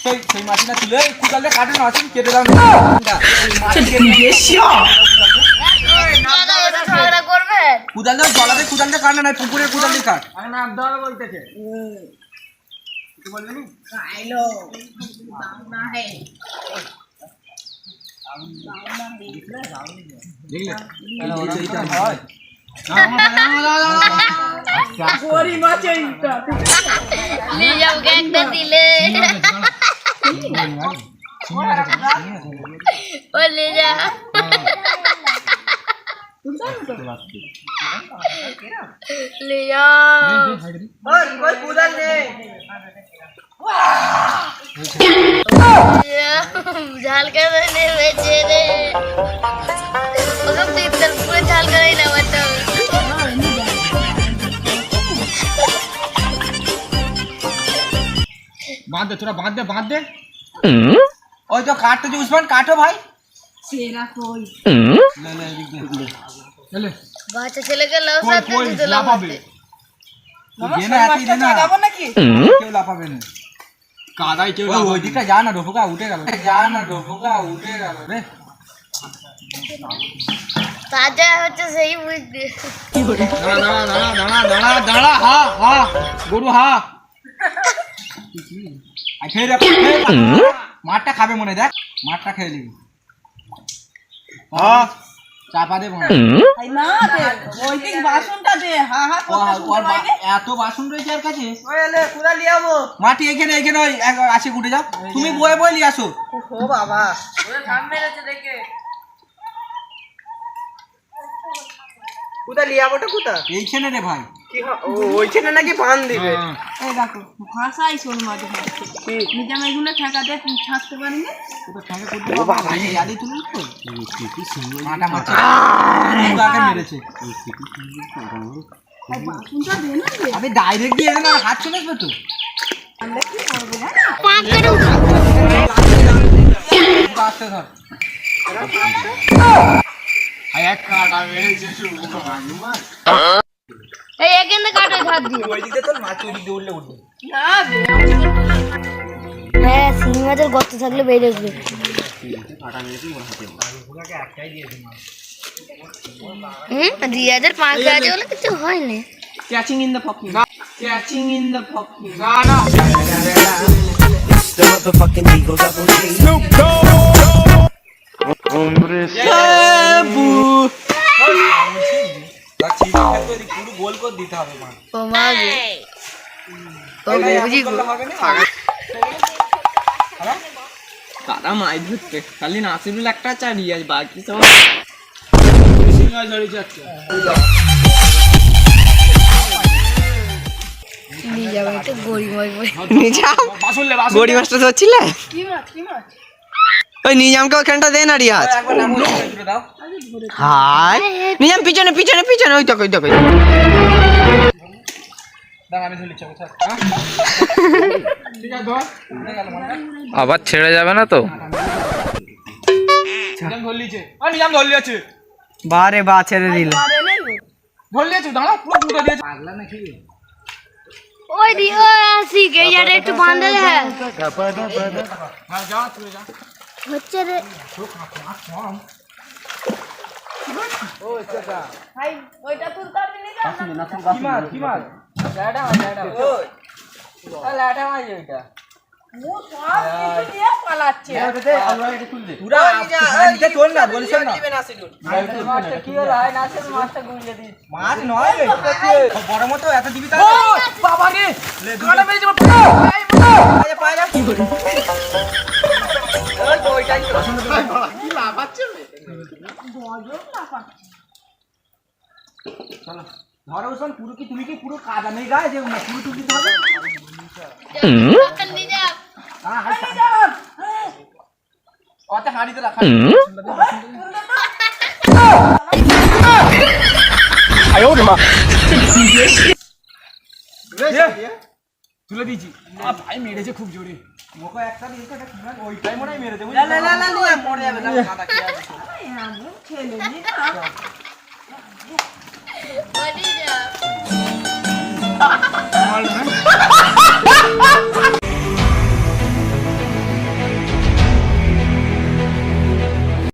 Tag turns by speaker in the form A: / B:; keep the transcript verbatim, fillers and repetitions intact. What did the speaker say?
A: সেই সেই মাটিটা তুলে কুদালে কাটে না আসেন কেটে দাও কুদালে জলাতে কুদালে কাটে না পুকুরে কুদালে কাট নাম দাও বলতেছে কিছু বলবে নি আইলো না হে দেখলে এইটা হয় गोरी माचे इतना
B: ले जाओ गैंग पे दिले ओ ले जा ले जाओ
A: और कोई कूदल नहीं
B: झाल कर देने बेचे रे मतलब तीन दिन पूरे झाल कर ही ना बताओ
A: बांध दे थोड़ा बांध दे बांध दे ओए तो काट तो उस्मान काटो भाई
C: सेरा कोई
A: ले ले ले ले
B: बाचा चले गए लव साथ में तो
A: लापाबे ये ना आती है ना लापा ना की क्यों लापाबे ने कादाई क्यों लापा ओए दिखा जा ना डोफुका उठेगा जा ना डोफुका उठेगा रे
B: ताजा হচ্ছে সেই বুঝতে
A: দাঁড়া দাঁড়া দাঁড়া দাঁড়া দাঁড়া হা হা গরু হা আই খেয়ে রে মাঠটা খাবে মনে দেখ মাঠটা খেয়ে নিবি হ্যাঁ চাপা দে মনে
C: আই না দে ওই দিক বাসনটা দে হা হা কথা শুনতে লাগে
A: এত বাসন রয়েছে আর কাছে
C: ওই এলে কুড়া লিয়াবো
A: মাটি এখানে এখানে ওই আসে গুটে যাও তুমি বয়ে বয়ে নিয়ে আসো
C: ও বাবা ওরে ঘাম মেরেছে দেখে কুড়া লিয়াবোটা কুড়া
A: এইখানে রে ভাই
C: কি ও ওইখানে নাকি বান দিবে এই দেখো ভাষাই শোন মাঝে মাঝে নিজাম এগুলো ঠেকা দে ছাড়তে পারি না
A: তো ঠেকা করতে ও বাবা এই ইয়াদি তুলি তো কি সিঙ্গল মাটা মাটা আগে মেরেছে এই সিটি সিঙ্গল
C: আর বাসনটা দে না রে
A: আমি ডাইরেক্ট দিয়ে না হাত চলে আসবে তো
C: আমরা কি করব না
B: পাক করে
A: আসতে ধর আই এক কাটা মেরেছে শুরু মানুমা
B: এই এখানে কাটো হাত দিয়ে
A: ওই দিকে তো মাছ ওই দিকে উঠলে উঠবে
C: না দে
B: হ্যাঁ সিংহাদের গর্ত থাকলে বেড়ে আসবে
A: কাটা মেরেছে ওর হাতে পুরাকে একটাই দিয়ে দিন
B: হুম দুই হাজার পাঁচ আছে বলে কিছু হয় না
C: catching in the pocket catching in the pocket
A: গানা
D: The motherfucking Eagle Double G. Snoop Dogg. Hombre,
A: সাবু লাচি খেতে দি পুরো গোল করে দিতে হবে মা
B: ও মা গো ও বুঝি গো
C: কারা মাই ধরতে খালি নাসিরুল একটা চারি আজ বাকি সব
A: সিঙ্গা ঝড়ি যাচ্ছে
B: নিয়ে যাবে তো গড়ি মই মই
C: নিজাম
A: বাসুলে বাসুলে
C: গড়ি মাস্টার হচ্ছিলে
B: কি মাছ কি মাছ
C: ওই নিজামকে ওখানটা দে না রিয়াজ
A: একবার নাম বলে দাও
C: হাই নিজাম পিছনে পিছনে পিছনে ওই তো ওই তো
A: দাও আমি ধরে চল চল ঠিক আছে ধর গেল মনে
E: আবার ছেড়ে যাবে না তো
A: নিজাম ধর লিছে আ নিজাম ধর লিছে
C: বারে বা ছেড়ে দিল
A: ধর লিছে দাঁড়া পুরো পুরো দিয়েছে পাগলা নাকি
B: ওই দি ও আসি গে ইয়ারে একটু বাঁধা দে
A: হ্যাঁ যা তুই যা
B: হচ্ছে রে
A: ও চাচা
C: ভাই ওইটা তুই করবি না
A: কি মার কি মার লাটা লাটা ওই লাটা মার ওইটা
C: মু সব কিছু নিয়ে পালাচ্ছে
A: ওটাতে আল্লাহ এটা তুল দে পুরা নিতে চল না বলিস না
C: মাছটা কি হলো হয় নাচের মাছটা গুঁজে দিস
A: মাছ নয় রে বড় মতো এত দিবি তা
C: বাবা রে কাটা মেরে যাবো
A: আরে পায়রা কি করে ওই তো ওইটাই তো
C: কি লাফাচ্ছে গজব লাফা
A: চলো ধরো ওসব পুরো কি তুমি কি পুরো কাদা নেই গায়ে যে পুরো টুকি দিতে হবে
B: নিয়ে যা
A: হ্যাঁ হাই ওতে হাড়িতে রাখা আয়ো রে মা তুলে দিয়েছি আ ভাই মেরেছে খুব জোরে মোকে একটা দিয়েছে এটা কি ওইটাই মনে হয় মেরেছে
C: লা লা লা লা নিয়ে মরে যাবে না কাদা কি আছে ছেলে নি না
B: বলি যা